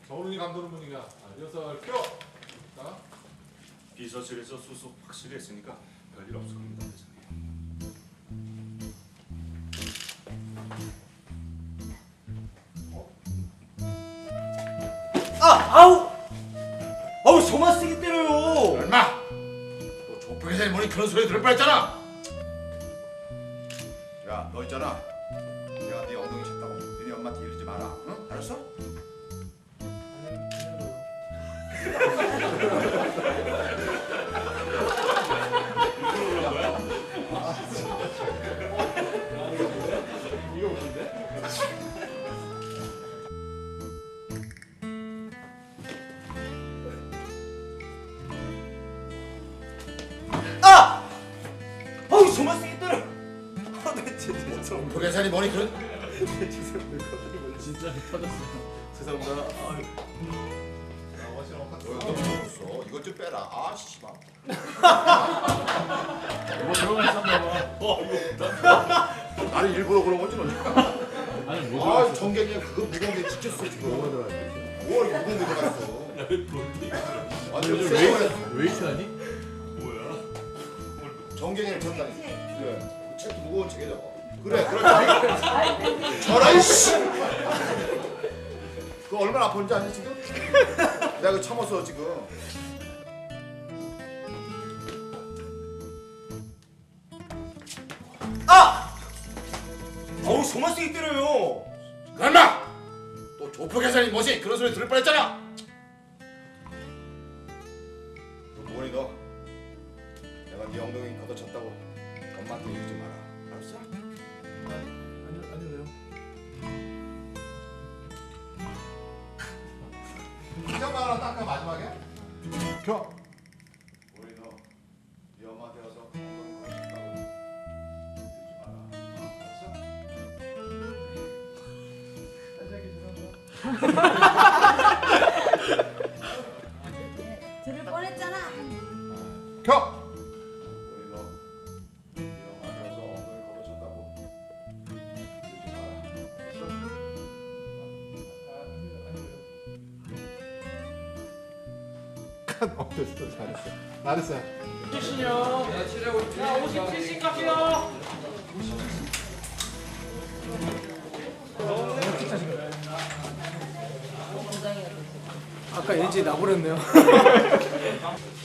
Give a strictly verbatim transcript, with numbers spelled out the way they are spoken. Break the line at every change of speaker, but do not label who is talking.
정훈이 감독는 분위기야. 아, 리허설 켜. 자.
비서실에서 수습 확실히 했으니까 별일 없을 겁니다, 회장님.
아! 아우! 아우 저만 세게 때려요.
얼마? 너 조폭 회사에 뭐니 그런 소리 들을 뻔했잖아. 야, 너 있잖아. 내가 네 엉덩이 쳤다고 너네 엄마한테 이러지 마라. 응? 알았어?
이거 뭔데?
아! 아우 저만 세게 때려. 아, 네, 진짜
조폭 회사에 뭐니 그런?
진짜 터졌어. 죄송합니다. 아, 멋있는 것
너 이거 묻었어. 이것 좀 빼라. 아, 씨발.
뭐 들어가 있었나 봐. 어, 이거
나는 일부러 그런 거지 너.
아니 뭐
아, 정경이 그거 무거운 게 지쳤어 지금. 뭘 무거운 게 들어갔어. 완전
왜,
쎄.
왜 이렇게 하니?
뭐야?
정경이를 쳤다니. 그래. 책도 무거운 책에 적어. 그래, 그렇지. 저라 이씨. 그거 얼마나 아픈지 아니 지금? 내가 그 참았어 지금.
아! 아우 저만 세게 때려요.
얼마? 또 조폭 회사니 뭐지? 그런 소리 들을 뻔했잖아. 너 뭐니 너? 내가 네 엉덩이 걷어쳤다고 엄마한테 이러지 마라. 알았어?
아니 아니 왜요?
이장만 하나 닦아 마지막에.
켜.
우리 너, 네 엄마한테 가서 엉덩이 걷어쳤다고 이러지 마라.
들을 뻔했잖아.
알았어? 켜. 우리 너, 네 엄마한테 가서 엉덩이 걷어쳤다고 이러지 마라. 알았어?
어 됐어 잘했어. 잘했어.
아까 엘지 나버렸네요.